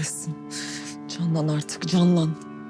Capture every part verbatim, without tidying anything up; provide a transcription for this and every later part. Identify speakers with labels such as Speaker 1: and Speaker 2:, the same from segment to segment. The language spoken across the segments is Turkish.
Speaker 1: kahretsin. Canlan artık, canlan.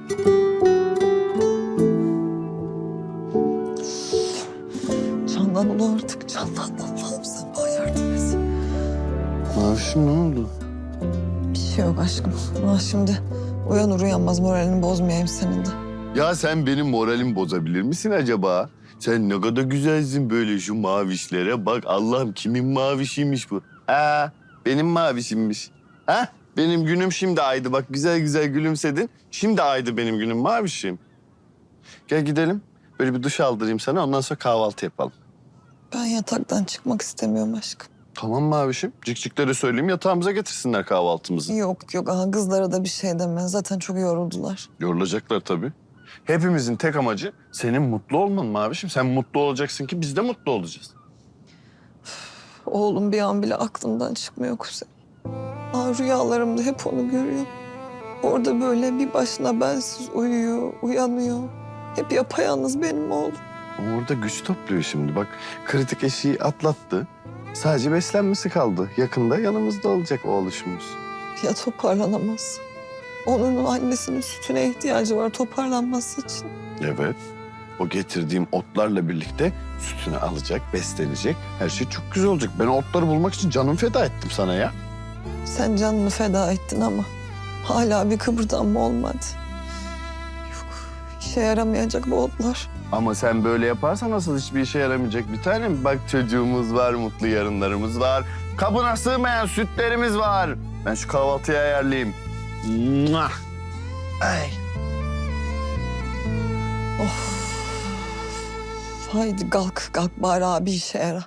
Speaker 1: Canlan ulu artık, canlan. Allah'ım sen bana yardım et.
Speaker 2: Mavişim ne oldu?
Speaker 1: Bir şey yok aşkım. Ha şimdi uyanır uyanmaz moralini bozmayayım senin de.
Speaker 2: Ya sen benim moralimi bozabilir misin acaba? Sen ne kadar güzelsin böyle şu mavişlere. Bak Allah'ım kimin mavişiymiş bu? Ha, benim mavişimmiş. Ha? Benim günüm şimdi aydı. Bak güzel güzel gülümsedin. Şimdi aydı benim günüm mavişim. Gel gidelim. Böyle bir duş aldırayım sana. Ondan sonra kahvaltı yapalım.
Speaker 1: Ben yataktan çıkmak istemiyorum aşkım.
Speaker 2: Tamam mavişim. Cikciklere söyleyeyim yatağımıza getirsinler kahvaltımızı.
Speaker 1: Yok yok aha kızlara da bir şey deme. Zaten çok yoruldular.
Speaker 2: Yorulacaklar tabii. Hepimizin tek amacı senin mutlu olman mavişim. Sen mutlu olacaksın ki biz de mutlu olacağız.
Speaker 1: Oğlum bir an bile aklımdan çıkmıyor Kuzey. Aa, rüyalarımda hep onu görüyorum. Orada böyle bir başına bensiz uyuyor, uyanıyor. Hep yapayalnız benim oğlum.
Speaker 2: Ama orada güç topluyor şimdi. Bak kritik eşiği atlattı. Sadece beslenmesi kaldı. Yakında yanımızda olacak oğluşumuz.
Speaker 1: Ya toparlanamaz. Onun annesinin sütüne ihtiyacı var toparlanması için.
Speaker 2: Evet. O getirdiğim otlarla birlikte sütünü alacak, beslenecek. Her şey çok güzel olacak. Ben o otları bulmak için canımı feda ettim sana ya.
Speaker 1: Sen canını feda ettin ama hala bir kıpırdanma olmadı. Yok, işe yaramayacak bu otlar.
Speaker 2: Ama sen böyle yaparsan nasıl hiçbir işe yaramayacak bir tanem. Bak çocuğumuz var, mutlu yarınlarımız var. Kabına sığmayan sütlerimiz var. Ben şu kahvaltıyı ayarlayayım. Mwah! Ay.
Speaker 1: Of. Haydi kalk, kalk bari abi işe yara.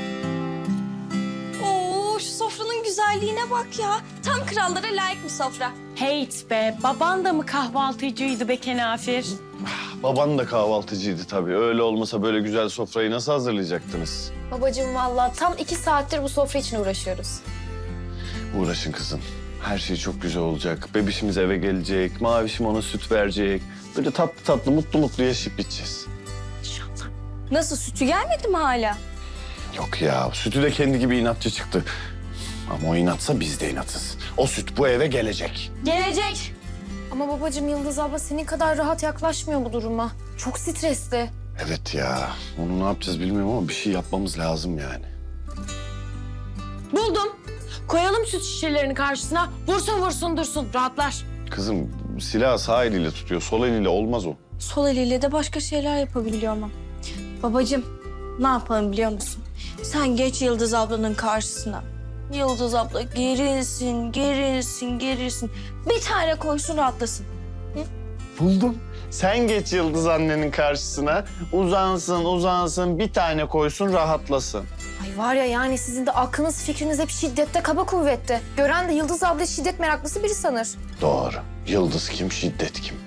Speaker 3: Oo, şu sofranın güzelliğine bak ya. Tam krallara layık bir sofra.
Speaker 4: Heyt be, baban da mı kahvaltıcıydı be Kenafir?
Speaker 2: Baban da kahvaltıcıydı tabii. Öyle olmasa böyle güzel sofrayı nasıl hazırlayacaktınız?
Speaker 3: Babacığım vallahi tam iki saattir bu sofra için uğraşıyoruz.
Speaker 2: Uğraşın kızım. Her şey çok güzel olacak. Bebişimiz eve gelecek. Mavişim ona süt verecek. Böyle tatlı tatlı, mutlu mutlu yaşayıp gideceğiz.
Speaker 4: İnşallah.
Speaker 3: Nasıl, sütü gelmedi mi hala?
Speaker 2: Yok ya, sütü de kendi gibi inatçı çıktı. Ama o inatsa biz de inatız. O süt bu eve gelecek.
Speaker 3: Gelecek. Ama babacığım Yıldız abla senin kadar rahat yaklaşmıyor bu duruma. Çok stresli.
Speaker 2: Evet ya, onu ne yapacağız bilmiyorum ama bir şey yapmamız lazım yani.
Speaker 4: Buldum. Koyalım süt şişelerini karşısına. Vursun vursun dursun. Rahatlar.
Speaker 2: Kızım silahı sağ eliyle tutuyor, sol eliyle olmaz o.
Speaker 3: Sol eliyle de başka şeyler yapabiliyor ama. Babacığım ne yapalım biliyor musun? Sen geç Yıldız ablanın karşısına. Yıldız abla gerilsin, gerilsin, gerilsin. Bir tane koysun rahatlasın.
Speaker 2: Buldum. Sen geç Yıldız annenin karşısına, uzansın uzansın bir tane koysun rahatlasın.
Speaker 3: Ay var ya yani sizin de aklınız fikriniz hep şiddette, kaba kuvvette. Gören de Yıldız abla şiddet meraklısı biri sanır.
Speaker 2: Doğru. Yıldız kim, şiddet kim?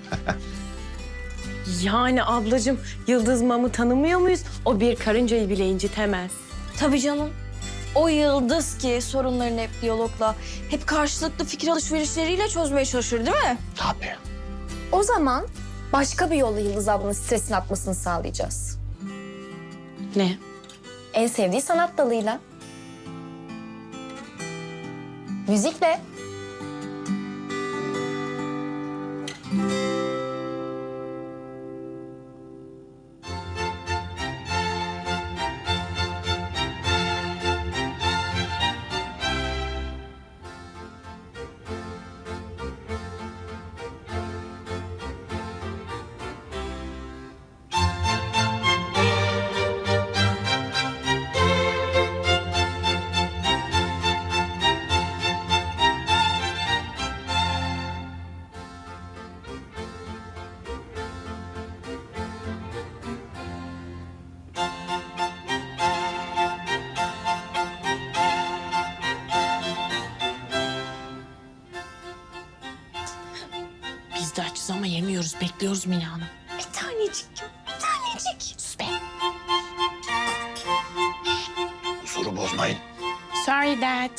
Speaker 4: Yani ablacığım Yıldız Mam'ı tanımıyor muyuz? O bir karıncayı bile incitemez.
Speaker 3: Tabii canım. O Yıldız ki sorunlarını hep diyalogla, hep karşılıklı fikir alışverişleriyle çözmeye çalışır değil mi?
Speaker 2: Tabii.
Speaker 3: O zaman başka bir yolla Yıldız ablanın stresini atmasını sağlayacağız.
Speaker 4: Ne?
Speaker 3: En sevdiği sanat dalıyla. Müzikle.
Speaker 4: Biz de açız ama yemiyoruz. Bekliyoruz Mine Hanım.
Speaker 3: Bir tanecik, bir tanecik.
Speaker 4: Sus be.
Speaker 2: Huzuru bozmayın.
Speaker 4: Sorry dad.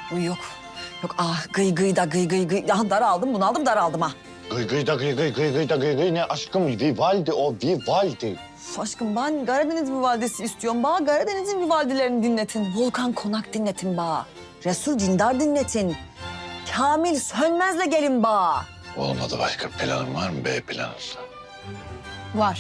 Speaker 5: Uy yok. Yok ah gıy gıy da gıy gıy gıy. Ah daraldım bunaldım daraldım ha.
Speaker 6: Gıy gıy da gıy gıy gıy gıy da gıy gıy ne aşkım Vivaldi o Vivaldi.
Speaker 5: Üf, aşkım ben Karadeniz Vivaldisi istiyorum. Bana Karadeniz'in Vivaldilerini dinletin. Volkan Konak dinletin bana. Resul Dindar dinletin. Kamil Sönmez'le gelin bana.
Speaker 6: Olmadı başka planın var mı B planın?
Speaker 3: Var.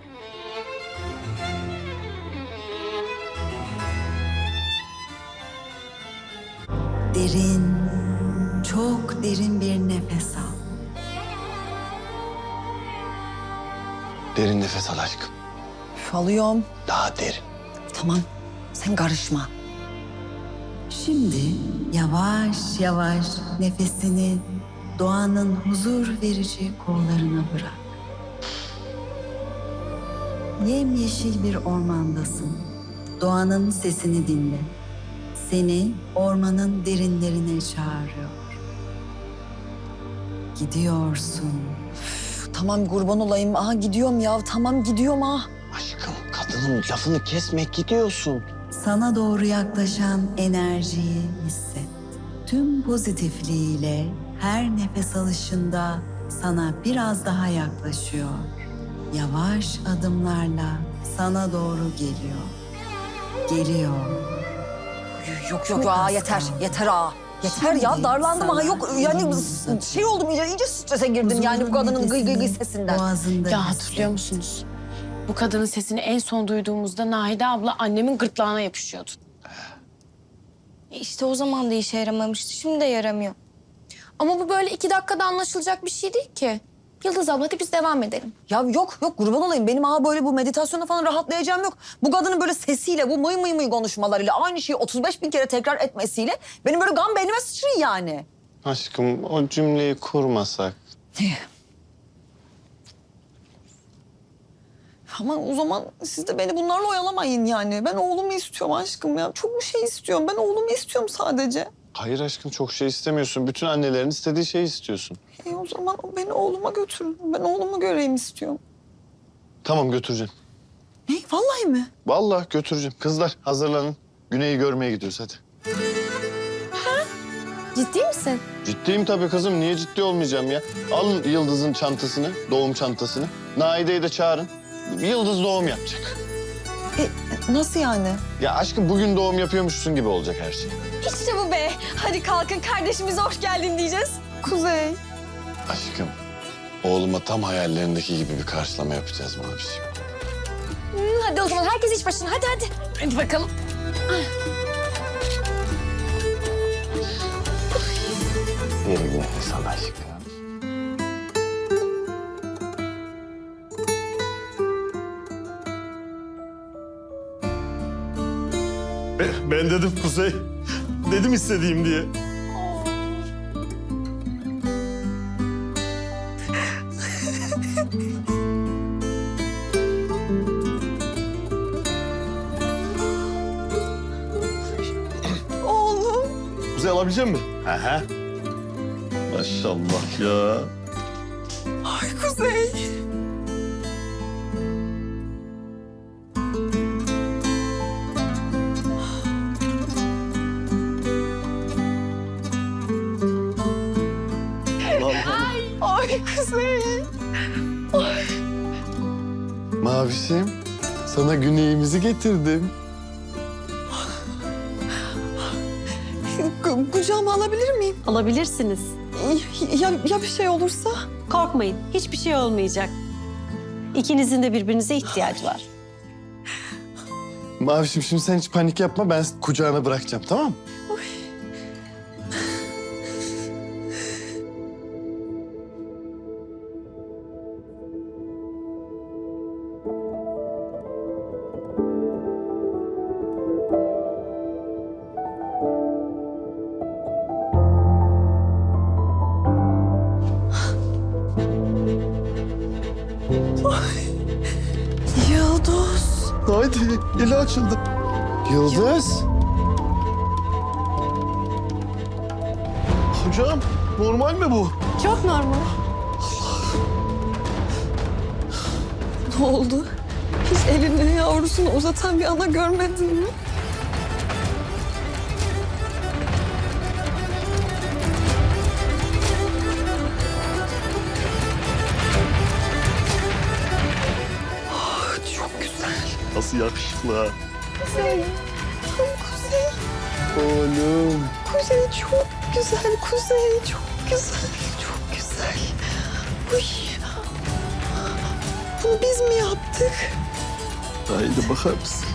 Speaker 5: Derin, çok derin bir nefes al.
Speaker 6: Derin nefes al aşkım.
Speaker 5: Üf, alıyorum.
Speaker 6: Daha derin.
Speaker 5: Tamam, sen karışma. Şimdi yavaş yavaş nefesini doğanın huzur verici kollarına bırak. Yemyeşil bir ormandasın. Doğanın sesini dinle. Seni ormanın derinlerine çağırıyor. Gidiyorsun. Üf, tamam kurban olayım. Aha gidiyorum ya. Tamam gidiyorum ah.
Speaker 6: Aşkım kadının lafını kesme gidiyorsun.
Speaker 5: Sana doğru yaklaşan enerjiyi hisset. Tüm pozitifliğiyle her nefes alışında sana biraz daha yaklaşıyor. Yavaş adımlarla sana doğru geliyor. Geliyor. Yok yok aa yeter yeter aa. Yeter ya darlandım ha yok yani şey oldum iyice, iyice strese girdim yani bu kadının gıy gıy gıy sesinden.
Speaker 4: Ya hatırlıyor musunuz? Bu kadının sesini en son duyduğumuzda Nahide abla annemin gırtlağına yapışıyordu.
Speaker 3: İşte o zaman da işe yaramamıştı. Şimdi de yaramıyor. Ama bu böyle iki dakikada anlaşılacak bir şey değil ki. Yıldız abla hadi biz devam edelim.
Speaker 5: Ya yok yok kurban olayım benim aha böyle bu meditasyona falan rahatlayacağım yok. Bu kadının böyle sesiyle bu mıy mıy mıy konuşmalarıyla aynı şeyi otuz beş bin kere tekrar etmesiyle benim böyle gam beynime sıçrıyor yani.
Speaker 6: Aşkım o cümleyi kurmasak.
Speaker 1: Ama o zaman siz de beni bunlarla oyalamayın yani. Ben oğlumu istiyorum aşkım ya. Çok bir şey istiyorum. Ben oğlumu istiyorum sadece.
Speaker 6: Hayır aşkım çok şey istemiyorsun. Bütün annelerin istediği şeyi istiyorsun.
Speaker 1: E o zaman beni oğluma götürün. Ben oğlumu göreyim istiyorum.
Speaker 6: Tamam götüreceğim.
Speaker 1: Ne? Vallahi mi?
Speaker 6: Vallahi götüreceğim. Kızlar hazırlanın. Güney'i görmeye gidiyoruz hadi.
Speaker 3: Ciddi misin?
Speaker 6: Ciddiyim tabii kızım. Niye ciddi olmayacağım ya? Alın Yıldız'ın çantasını, doğum çantasını. Naide'yi de çağırın. Yıldız doğum yapacak.
Speaker 1: E, nasıl yani?
Speaker 6: Ya aşkım bugün doğum yapıyormuşsun gibi olacak her şey.
Speaker 3: İşte bu be. Hadi kalkın kardeşimize hoş geldin diyeceğiz.
Speaker 1: Kuzey.
Speaker 6: Aşkım, oğluma tam hayallerindeki gibi bir karşılama yapacağız Mavişim.
Speaker 3: Hadi o zaman herkes iş başına. Hadi hadi. Hadi bakalım.
Speaker 6: Derin nefes al aşkım.
Speaker 7: Ben dedim Kuzey. Dedim istediğim diye.
Speaker 1: Oğlum.
Speaker 7: Kuzey alabilecek misin? Aha. Maşallah ya.
Speaker 1: Ay Kuzey. Ay Kuzey.
Speaker 2: Mavişim, sana Güney'imizi getirdim.
Speaker 1: Ku- Kucağıma alabilir miyim?
Speaker 8: Alabilirsiniz.
Speaker 1: Ya, ya bir şey olursa?
Speaker 8: Korkmayın. Hiçbir şey olmayacak. İkinizin de birbirinize ihtiyacı var.
Speaker 2: Mavişim şimdi sen hiç panik yapma, ben kucağına bırakacağım tamam mı?
Speaker 1: Yıldız.
Speaker 2: Haydi, eli açıldı. Yıldız.
Speaker 7: Hocam normal mi bu?
Speaker 8: Çok normal.
Speaker 1: Ne oldu? Hiç elini yavrusunu uzatan bir ana görmedin mi?
Speaker 7: nasıl yakışıklı ha.
Speaker 1: Kuzey. Tam Kuzey.
Speaker 2: Oğlum.
Speaker 1: Kuzey çok güzel. Kuzey çok güzel. Çok güzel. Uy. Bunu biz mi yaptık?
Speaker 7: Haydi bakar mısın?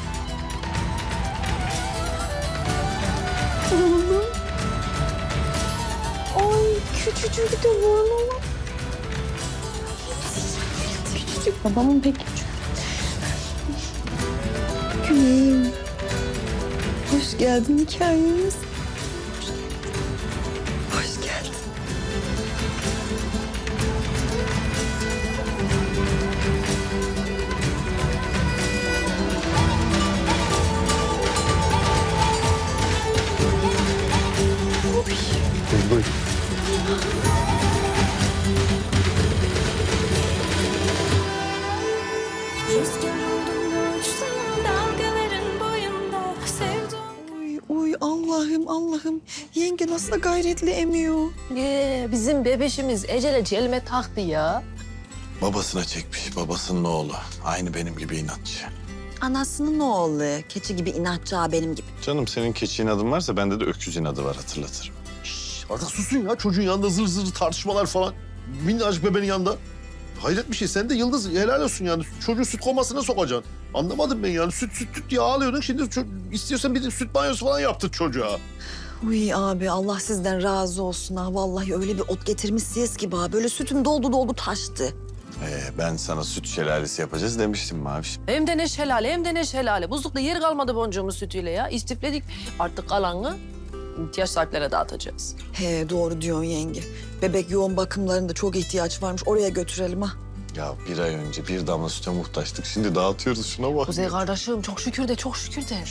Speaker 1: Oğlum. Ay küçücük de burnu. Küçücük.
Speaker 4: Babamın pek küçük.
Speaker 1: Güneyim. Hoş geldin hikayemiz. Hoş geldin.
Speaker 7: Buyur.
Speaker 9: Rüzgar oldum uçtum dalgaların boyunda sevdim.
Speaker 1: Uy, uy Allah'ım Allah'ım. Yenge nasıl da gayretli emiyor.
Speaker 10: Ee, bizim bebeşimiz Ecele celme taktı ya.
Speaker 6: Babasına çekmiş, babasının oğlu. Aynı benim gibi inatçı.
Speaker 11: Anasının oğlu. Keçi gibi inatçı ha benim gibi.
Speaker 6: Canım senin keçi inadın varsa bende de öküz inadı var, hatırlatırım.
Speaker 7: Şş, artık susun ya. Çocuğun yanında zır zır tartışmalar falan. Minnacık bebeğin yanında. Hayret bir şey. Sen de Yıldız helal olsun yani. Çocuğu süt komasına sokacaksın. Anlamadım ben yani. Süt süt süt diye ağlıyordun. Şimdi ço- istiyorsan bir de süt banyosu falan yaptır çocuğa.
Speaker 11: Uy abi Allah sizden razı olsun ha. Vallahi öyle bir ot getirmişsiniz ki ha. Böyle sütüm doldu doldu taştı.
Speaker 6: Ee, ben sana süt şelalesi yapacağız demiştim Maviş.
Speaker 10: Hem de ne şelale hem de ne şelale. Buzlukta yer kalmadı boncuğumuz sütüyle ya. İstifledik. Artık kalanı ihtiyaç sahiplere dağıtacağız.
Speaker 11: He doğru diyorsun yenge. Bebek yoğun bakımlarında çok ihtiyaç varmış. Oraya götürelim ha.
Speaker 6: Ya bir ay önce bir damla süte muhtaçtık. Şimdi dağıtıyoruz, şuna bak.
Speaker 10: Kuzey kardeşim çok şükür de çok şükür de.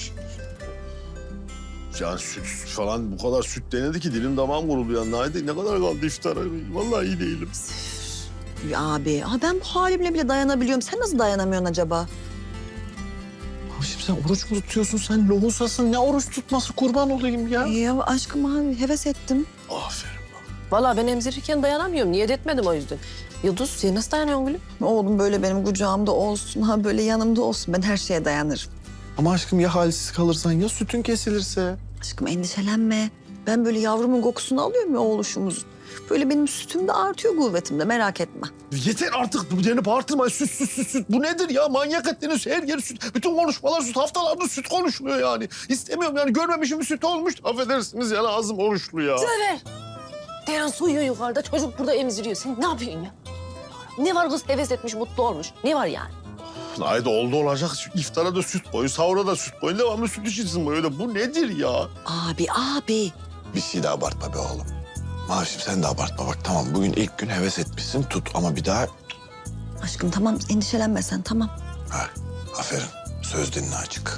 Speaker 7: Yani süt falan bu kadar süt denedi ki dilim damağım kuruldu ya. Haydi ne kadar kaldı iftara? Vallahi iyi değilim.
Speaker 11: Uy abi ha ben bu halimle bile dayanabiliyorum. Sen nasıl dayanamıyorsun acaba?
Speaker 6: Şimdi sen oruç mu tutuyorsun? Sen lohusasın. Ne oruç tutması, kurban olayım ya.
Speaker 11: Ya aşkım abi heves ettim.
Speaker 7: Aferin.
Speaker 10: Vallahi ben emzirirken dayanamıyorum. Niyet etmedim o yüzden. Yıldız sen nasıl dayanıyorsun gülüm?
Speaker 11: Oğlum böyle benim kucağımda olsun ha böyle yanımda olsun. Ben her şeye dayanırım.
Speaker 6: Ama aşkım ya halsiz kalırsan, ya sütün kesilirse?
Speaker 11: Aşkım endişelenme. Ben böyle yavrumun kokusunu alıyorum ya oğluşumuzun. Böyle benim sütüm de artıyor kuvvetimde merak etme.
Speaker 7: Yeter artık bu deni bağırtırma. Süt süt süt süt. Bu nedir ya? Manyak ettiniz. Her yer süt. Bütün konuşmalar süt. Haftalardır süt konuşuluyor yani. İstemiyorum yani. Görmemişim bir süt olmuş. Affedersiniz yani ağzım oruçlu ya.
Speaker 10: Sever. Deren su uyuyor yukarıda. Çocuk burada emziriyor. Sen ne yapıyorsun ya? Ne var kız heves etmiş, mutlu olmuş. Ne var yani?
Speaker 7: Haydi oldu olacak. İftara da süt koyun, sahura da süt koyun. Devamlı süt içilsin böyle. Bu nedir ya?
Speaker 11: Abi abi.
Speaker 6: Bir şey de abartma be oğlum. Mavişim sen de abartma bak, tamam bugün ilk gün heves etmişsin, tut ama bir daha...
Speaker 11: Aşkım tamam endişelenme sen tamam.
Speaker 6: Ha, aferin, söz dinle açık.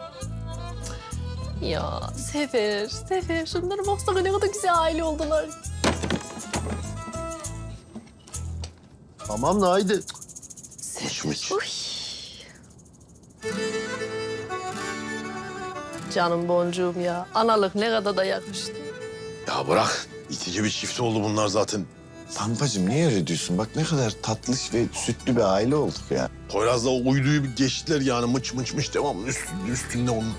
Speaker 10: Ya Sefer, Sefer. Şunlara baksana ne kadar güzel aile oldular.
Speaker 7: Tamam da haydi.
Speaker 6: Mıç mıç.
Speaker 10: Canım boncuğum ya. Analık ne kadar da yakıştı.
Speaker 7: Ya bırak. İtici bir çift oldu bunlar zaten.
Speaker 6: Pampacığım niye öyle diyorsun? Bak ne kadar tatlış ve sütlü bir aile olduk ya.
Speaker 7: Poyraz'la o uyduyu bir geçtiler yani. Mıç mıç mıç devamlı üstünde, üstünde onun.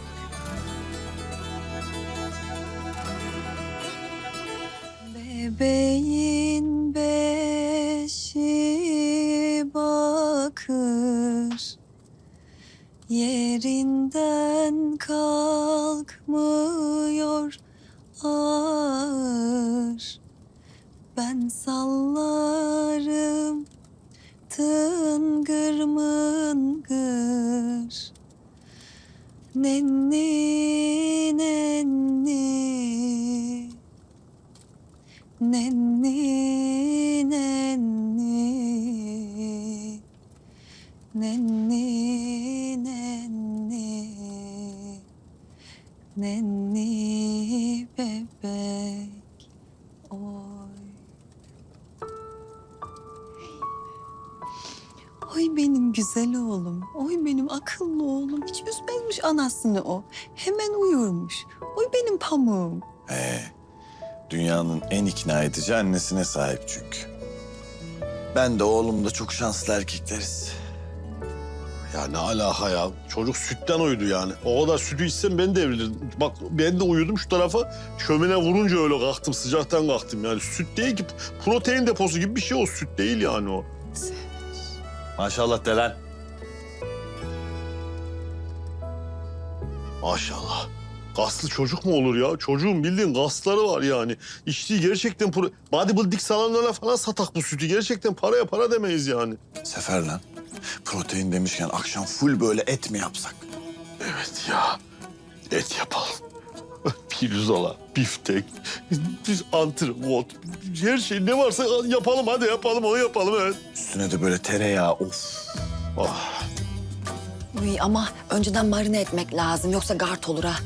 Speaker 11: Bebeğin beşi bakır, yerinden kalkmıyor ağır. Ben sallarım tıngır mıngır, nenni nenni. Nenni, nenni, nenni, nenni, nenni bebek, oy. Oy benim güzel oğlum, oy benim akıllı oğlum. Hiç üzmezmiş anasını o. Hemen uyurmuş. Oy benim pamuğum.
Speaker 6: Ee, dünyanın en ikna edici annesine sahip çünkü. Ben de oğlum da çok şanslı erkekleriz.
Speaker 7: Ya ne alaka ya? Çocuk sütten uyudu yani. O kadar sütü içsem ben devrilirdim. Bak ben de uyudum şu tarafa. Şömine vurunca öyle kalktım. Sıcaktan kalktım yani. Süt değil ki. Protein deposu gibi bir şey o. Süt değil yani o.
Speaker 2: Maşallah Delen.
Speaker 7: Maşallah. Kaslı çocuk mu olur ya? Çocuğun bildiğin kasları var yani. İçtiği gerçekten pro... bodybuilding salonlarına falan satak bu sütü. Gerçekten paraya para demeyiz yani.
Speaker 12: Sefer lan. Protein demişken akşam full böyle et mi yapsak?
Speaker 7: Evet ya. Et yapalım. Pirzola, biftek, biz antrikot, her şey ne varsa yapalım. Hadi yapalım, onu yapalım evet.
Speaker 12: Üstüne de böyle tereyağı of.
Speaker 7: Ah.
Speaker 13: Uy, ama önceden marine etmek lazım yoksa gart olur ha.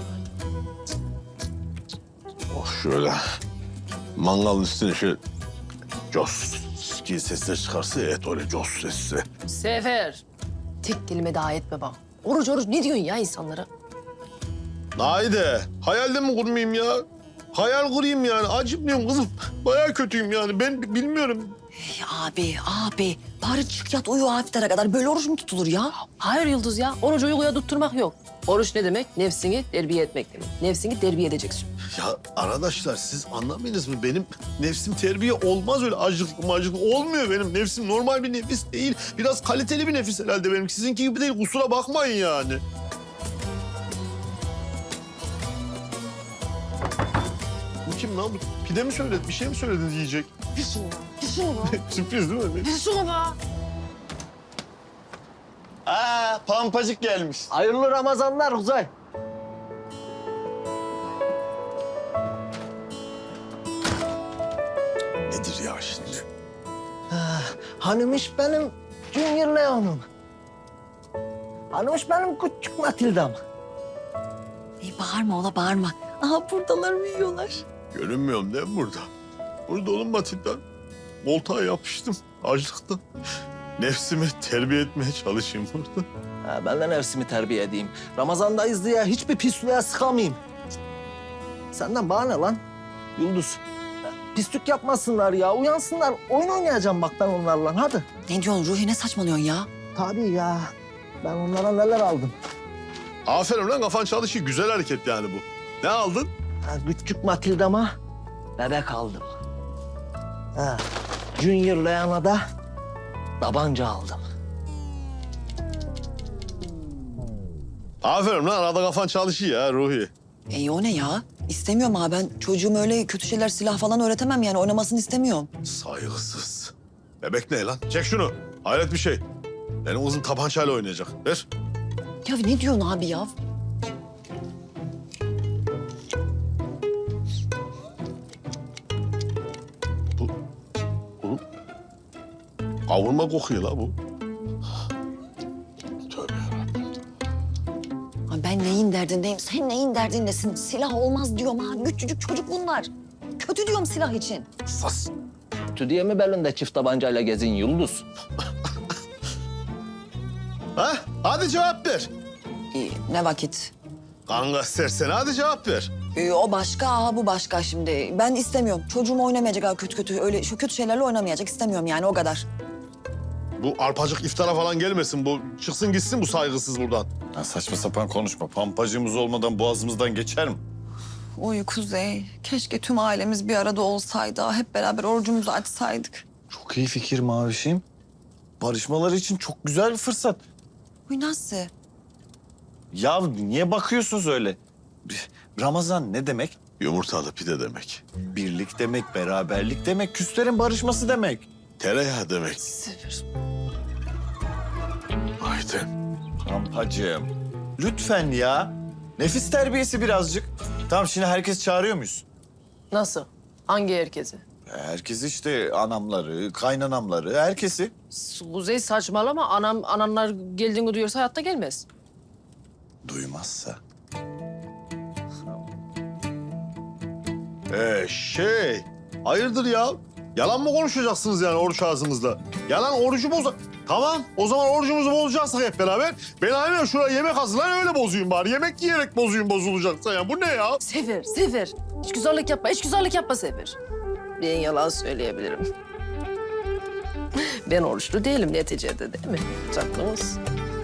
Speaker 7: Oh şöyle mangalın üstüne şöyle cos gibi sesler çıkarsa et öyle cos sesi.
Speaker 10: Sefer. Tek kelime daha etme bak. Oruç oruç ne diyorsun ya insanlara?
Speaker 7: Haydi hayalde mi kurmayayım ya? Hayal kurayım yani. Acımıyorum kızım. Bayağı kötüyüm yani. Ben bilmiyorum.
Speaker 13: Hey, abi, abi. Bari çık yat uyu hafiflere kadar. Böyle oruç mu tutulur ya?
Speaker 10: Hayır Yıldız ya. Oruç uykuya tutturmak yok. Oruç ne demek? Nefsini terbiye etmek demek. Nefsini terbiye edeceksin.
Speaker 7: Ya arkadaşlar siz anlamayınız mı? Benim nefsim terbiye olmaz öyle acıklı macıklı. Olmuyor benim nefsim. Normal bir nefis değil. Biraz kaliteli bir nefis herhalde benim. Sizinki gibi değil. Kusura bakmayın yani. Bu kim lan? Bu pide mi söyledi? Bir şey mi söylediniz yiyecek?
Speaker 10: Bir şunu, bir şunu.
Speaker 7: Sürpriz değil mi?
Speaker 10: Bir şunu be.
Speaker 2: Aa, pampacık gelmiş.
Speaker 6: Hayırlı Ramazanlar Uzay.
Speaker 7: Nedir ya şimdi?
Speaker 6: Hanımış benim Junior Leon'um. Hanımış benim küçük Matilda'm.
Speaker 13: Ey, bağırma ola bağırma.
Speaker 11: Aha buradalar uyuyorlar.
Speaker 7: Görünmüyorum değil mi burada? Burada oğlum Matilda. Koltuğa yapıştım açlıktan. Nefsimi terbiye etmeye çalışayım burada.
Speaker 6: Ha, ben de nefsimi terbiye edeyim. Ramazandayız diye hiçbir pisliğe sıkamayayım. Senden bana ne lan Yıldız? Pislik yapmasınlar ya, uyansınlar. Oyun oynayacağım bak ben onlarla, hadi.
Speaker 13: Ne diyorsun Ruhi, ne saçmalıyorsun ya?
Speaker 6: Tabii ya. Ben onlara neler aldım.
Speaker 7: Aferin lan kafan çalışıyor. Güzel hareket yani bu. Ne aldın?
Speaker 6: Ha, küçük Matilda'ma bebek aldım. Ha, Junior Leon'a da tabanca aldım.
Speaker 7: Aferin lan arada kafan çalışıyor ya Ruhi.
Speaker 13: Ey o ne ya? İstemiyorum ha, ben çocuğuma öyle kötü şeyler, silah falan öğretemem yani. Oynamasını istemiyorum.
Speaker 7: Saygısız. Bebek ne lan? Çek şunu. Hayret bir şey. Benim kızım tabancayla oynayacak. Ver.
Speaker 13: Ya ne diyorsun abi ya?
Speaker 7: Bu kavurma kokuyor la bu. Tövbe yarabbim.
Speaker 13: Ha, ben neyin derdindeyim, sen neyin derdindesin? Silah olmaz diyorum ha. Küçücük çocuk bunlar. Kötü diyorum silah için.
Speaker 7: Sas.
Speaker 6: Kötü diye mi belinde çift tabancayla gezin Yıldız?
Speaker 7: Ha? Hadi cevap ver.
Speaker 13: İyi, ne vakit?
Speaker 7: Kanka sersen hadi cevap ver.
Speaker 13: Ee, o başka, aha bu başka şimdi. Ben istemiyorum. Çocuğum oynamayacak ha kötü kötü. Öyle şu kötü şeylerle oynamayacak. İstemiyorum yani, o kadar.
Speaker 7: Bu arpacık iftara falan gelmesin. Bu çıksın gitsin bu saygısız buradan.
Speaker 12: Ya saçma sapan konuşma. Pampacığımız olmadan boğazımızdan geçer mi?
Speaker 11: Oy Kuzey, keşke tüm ailemiz bir arada olsaydı. Hep beraber orucumuzu açsaydık.
Speaker 12: Çok iyi fikir Mavişim. Barışmaları için çok güzel bir fırsat.
Speaker 13: Uy nasıl?
Speaker 12: Ya niye bakıyorsunuz öyle? Ramazan ne demek?
Speaker 7: Yumurtalı pide demek.
Speaker 12: Birlik demek, beraberlik demek, küslerin barışması demek.
Speaker 7: Tereyağı demek. Haydi.
Speaker 12: Pampacığım, lütfen ya. Nefis terbiyesi birazcık. Tamam şimdi herkes çağırıyor muyuz?
Speaker 10: Nasıl? Hangi herkesi?
Speaker 12: Herkes işte anamları, kaynanamları, herkesi.
Speaker 10: Kuzey saçmalama. Anam, ananlar geldiğini duyuyorsa hayatta gelmez.
Speaker 12: Duymazsa.
Speaker 7: Ee şey, hayırdır ya? Yalan mı konuşacaksınız yani oruç ağzınızda? Yalan orucu boza... Tamam, o zaman orucumuzu bozacaksak hep beraber. Ben aynen şuraya yemek hazırlayın öyle bozuyum bari. Yemek yiyerek bozuyum bozulacaksa ya. Bu ne ya?
Speaker 10: Sefer, Sefer. Hiç güzellik yapma, hiç güzellik yapma Sefer. Ben yalan söyleyebilirim. Ben oruçlu değilim neticede değil mi? Tatlımız.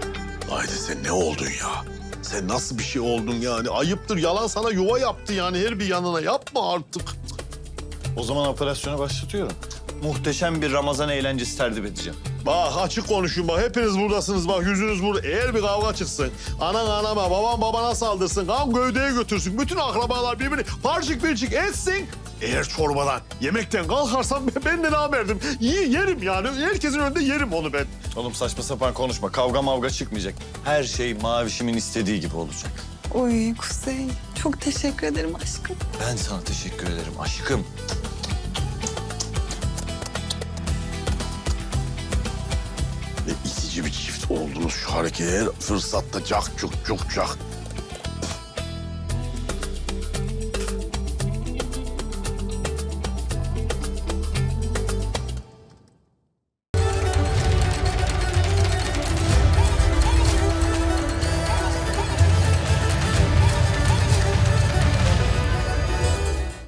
Speaker 7: Haydi sen ne oldun ya? Sen nasıl bir şey oldun yani? Ayıptır. Yalan sana yuva yaptı yani her bir yanına. Yapma artık.
Speaker 12: O zaman operasyonu başlatıyorum. Muhteşem bir Ramazan eğlencesi tertip edeceğim.
Speaker 7: Bak açık konuşun bak. Hepiniz buradasınız bak. Yüzünüz burada. Eğer bir kavga çıksın, anan anama, babam babana saldırsın, kan gövdeye götürsün. Bütün akrabalar birbirini parçık pirçik etsin. Eğer çorbadan, yemekten kalkarsam ben de namerdim. Yi- Yerim yani. Herkesin önünde yerim onu ben.
Speaker 12: Oğlum saçma sapan konuşma. Kavga mavga çıkmayacak. Her şey Mavişimin istediği gibi olacak.
Speaker 1: Oy Kuzey, çok teşekkür ederim aşkım.
Speaker 12: Ben sana teşekkür ederim aşkım.
Speaker 7: Ne itici bir çift oldunuz şu harekete. Her fırsatta cak cuk cuk cak.